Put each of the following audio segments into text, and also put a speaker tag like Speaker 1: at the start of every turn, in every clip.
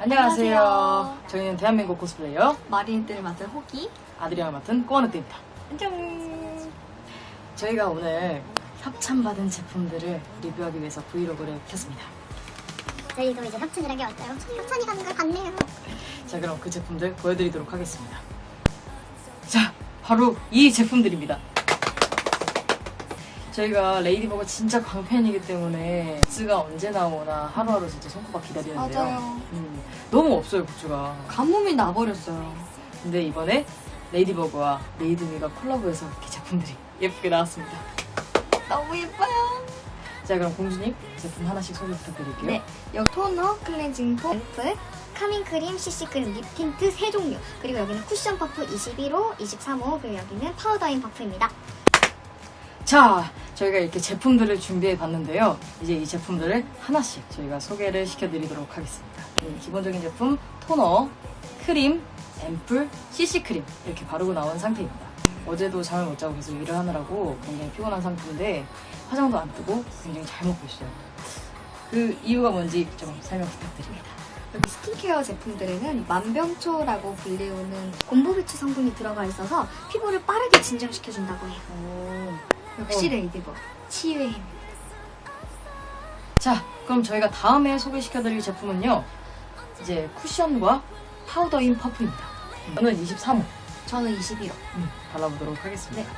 Speaker 1: 안녕하세요. 저희는 대한민국 코스플레이어
Speaker 2: 마린이들을 맡은 호기,
Speaker 1: 아드리안을 맡은 꼬마늑대입니다.
Speaker 2: 안녕.
Speaker 1: 저희가 오늘 협찬받은 제품들을 리뷰하기 위해서 브이로그를 켰습니다.
Speaker 3: 저희도 이제 협찬이라는 게 왔어요. 협찬이 가는 걸 봤네요.
Speaker 1: 자, 그럼 그 제품들 보여드리도록 하겠습니다. 자, 바로 이 제품들입니다. 저희가 레이디버거 진짜 광팬이기 때문에 굿즈가 언제 나오나 하루하루 진짜 손꼽아 기다리는데요.
Speaker 2: 맞아요.
Speaker 1: 너무 없어요, 굿즈가.
Speaker 2: 가뭄이 나버렸어요.
Speaker 1: 근데 이번에 레이디버거와 레이드미가 콜라보해서 이렇게 제품들이 예쁘게 나왔습니다.
Speaker 2: 너무 예뻐요.
Speaker 1: 자, 그럼 공주님 제품 하나씩 소개 부탁드릴게요.
Speaker 2: 네, 여기 토너, 클렌징 폼,
Speaker 3: 앰플, 카밍크림, CC크림, 립틴트 3종류. 그리고 여기는 쿠션 퍼프 21호, 23호, 그리고 여기는 파우더인 퍼프입니다.
Speaker 1: 자, 저희가 이렇게 제품들을 준비해 봤는데요. 이제 이 제품들을 하나씩 저희가 소개를 시켜드리도록 하겠습니다. 기본적인 제품 토너, 크림, 앰플, CC크림 이렇게 바르고 나온 상태입니다. 어제도 잠을 못 자고 계속 일을 하느라고 굉장히 피곤한 상태인데 화장도 안 뜨고 굉장히 잘 먹고 있어요. 그 이유가 뭔지 좀 설명 부탁드립니다.
Speaker 2: 여기 스킨케어 제품들에는 만병초라고 불리우는 곰보비치 성분이 들어가 있어서 피부를 빠르게 진정시켜준다고 해요. 역시 레이디버거 치유의 힘.
Speaker 1: 자, 그럼 저희가 다음에 소개시켜드릴 제품은요. 이제 쿠션과 파우더인 퍼프입니다. 저는 23호
Speaker 2: 저는 21호.
Speaker 1: 발라보도록 하겠습니다.
Speaker 2: 네.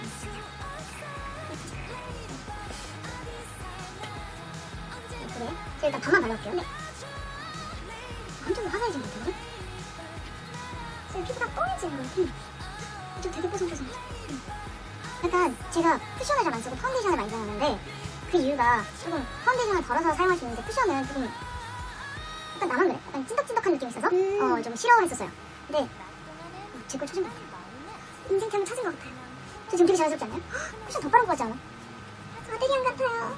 Speaker 3: 그래요? 저 일단 반만 발라볼게요. 네. 한쪽은 화사해진 것 같은데? 지금 피부가 뽀얘지는 것 같아. 좀 되게 뽀송뽀송하죠? 약간 제가 쿠션을 잘 안 쓰고 파운데이션을 많이 사용하는데 그 이유가 조금 파운데이션을 덜어서 사용할 수 있는데 쿠션은 조금 약간 나만 그래? 약간 찐득찐득한 느낌이 있어서 좀 싫어를 했었어요. 근데 제 걸 찾은 것 같아요. 인생템을 찾은 것 같아요. 저 지금 되게 자연스럽지 않나요? 헉, 쿠션 더 빠른 것 같지 않아? 아드리안 같아요.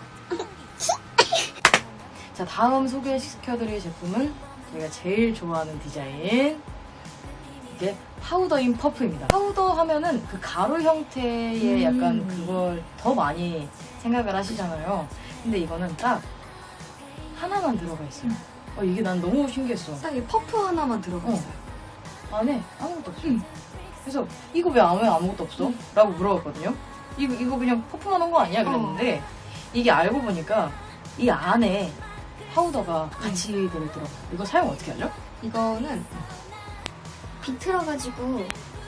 Speaker 1: 자, 다음 소개시켜드릴 제품은 저희가 제일 좋아하는 디자인 이게 파우더인 퍼프입니다. 파우더 하면은 그 가루 형태의 약간 그걸 더 많이 생각을 하시잖아요. 근데 이거는 딱 하나만 들어가 있어요. 이게 난 너무 신기했어.
Speaker 2: 딱 이 퍼프 하나만 들어가 있어요.
Speaker 1: 안에 아무것도 없어. 그래서 이거 왜 아무것도 없어? 라고 물어봤거든요. 이거 그냥 퍼프만 한 거 아니야? 그랬는데 이게 알고 보니까 이 안에 파우더가 같이 들어있더라고요. 이거 사용 어떻게 하죠?
Speaker 2: 이거는 비틀어가지고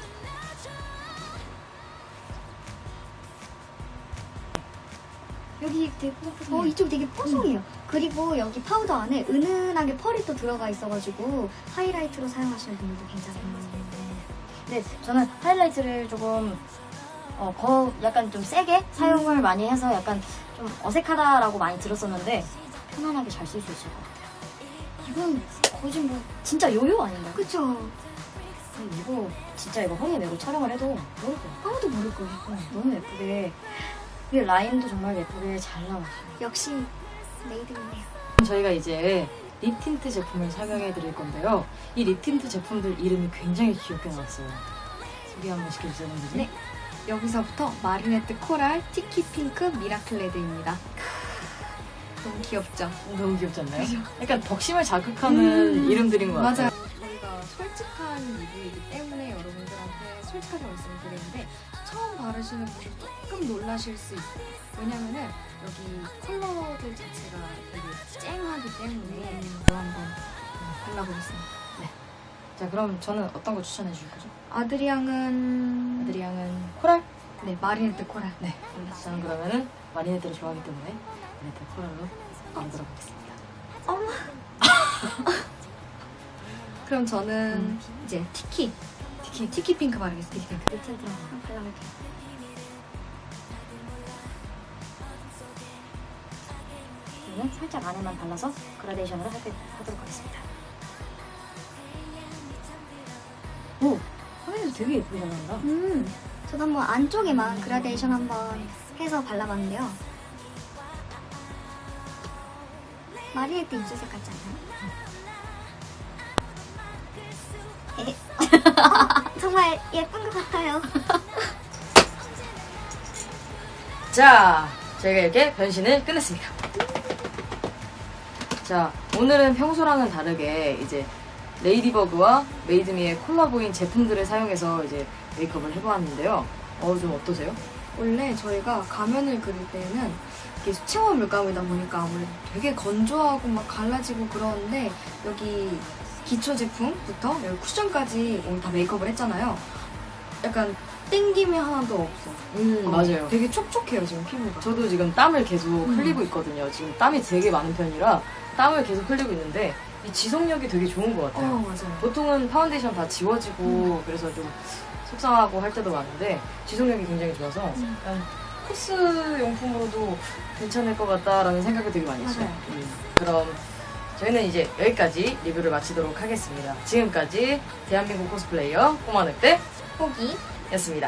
Speaker 2: 여기 되게 이쪽 되게 뽀송해요. 그리고 여기 파우더 안에 은은하게 펄이 또 들어가 있어가지고 하이라이트로 사용하시는 분들도 괜찮아요.
Speaker 4: 네, 저는 하이라이트를 조금 약간 좀 세게 사용을 많이 해서 약간 좀 어색하다라고 많이 들었었는데 편안하게 잘 쓸 수 있을 것 같아요. 이건 거의 뭐 진짜 요요 아닌가요?
Speaker 2: 그쵸?
Speaker 4: 이거 진짜 이거 허리에 메고 촬영을 해도 모를 거예요.
Speaker 2: 아무도 모를 거예요.
Speaker 4: 너무 예쁘게 이 라인도 정말 예쁘게 잘 나왔어요.
Speaker 2: 역시 레이드이네요.
Speaker 1: 저희가 이제 립 틴트 제품을 설명해 드릴 건데요. 이 립 틴트 제품들 이름이 굉장히 귀엽게 나왔어요. 소개 한번 시켜주세요, 선생님.
Speaker 2: 네. 여기서부터 마리네트 코랄, 티키 핑크, 미라클 레드입니다. 너무 귀엽죠?
Speaker 1: 너무 귀엽지 않나요? 약간 덕심을 자극하는 이름들인 것 같아요.
Speaker 2: 맞아요. 저희가 솔직한 리뷰이기 때문에 여러분들한테 솔직하게 말씀드리는데 처음 바르시는 분들 조금 놀라실 수 있어요. 왜냐면은 여기 컬러들 자체가 되게 쨍하기 때문에 이거 한번 발라보겠습니다.
Speaker 1: 자, 그럼 저는 어떤 거 추천해 주실 거죠?
Speaker 2: 아드리앙은
Speaker 1: 아드리앙은 코랄?
Speaker 2: 네, 마리네트 코랄.
Speaker 1: 네. 저는 그러면은 마리네트를 좋아하기 때문에 마리네트 코랄로 만들어 보겠습니다.
Speaker 2: 그럼 저는 이제 티키 핑크 바르겠습니다. 티키 핑크.
Speaker 4: 립 틴트 한번 발라볼게요. 저는 살짝 안에만 발라서 그라데이션으로 하도록 하겠습니다. 오! 화면에서 되게 예쁘게 잘 나온다.
Speaker 3: 저도 한번 안쪽에만 그라데이션 한번 해서 발라봤는데요. 마리네트 입술색 같지 않아요? 정말 예쁜 것 같아요.
Speaker 1: 자, 저희가 이렇게 변신을 끝냈습니다. 자, 오늘은 평소랑은 다르게 이제 레이디버그와 메이드미의 콜라보인 제품들을 사용해서 이제 메이크업을 해보았는데요. 좀 어떠세요?
Speaker 2: 원래 저희가 가면을 그릴 때는 이게 수채화 물감이다 보니까 아무래도 되게 건조하고 막 갈라지고 그러는데 여기 기초 제품부터 여기 쿠션까지 오늘 다 메이크업을 했잖아요. 약간 땡김이 하나도 없어.
Speaker 1: 맞아요.
Speaker 2: 되게 촉촉해요 지금 피부가.
Speaker 1: 저도 지금 땀을 계속 흘리고 있거든요. 지금 땀이 되게 많은 편이라 땀을 계속 흘리고 있는데 이 지속력이 되게 좋은 것 같아요.
Speaker 2: 맞아요.
Speaker 1: 보통은 파운데이션 다 지워지고 그래서 좀 속상하고 할 때도 많은데 지속력이 굉장히 좋아서 약간 코스 용품으로도 괜찮을 것 같다라는 생각을 되게 많이 했어요.
Speaker 2: 맞아요.
Speaker 1: 그럼 저희는 이제 여기까지 리뷰를 마치도록 하겠습니다. 지금까지 대한민국 코스플레이어 꼬마늑대
Speaker 2: 포기.
Speaker 1: 였습니다.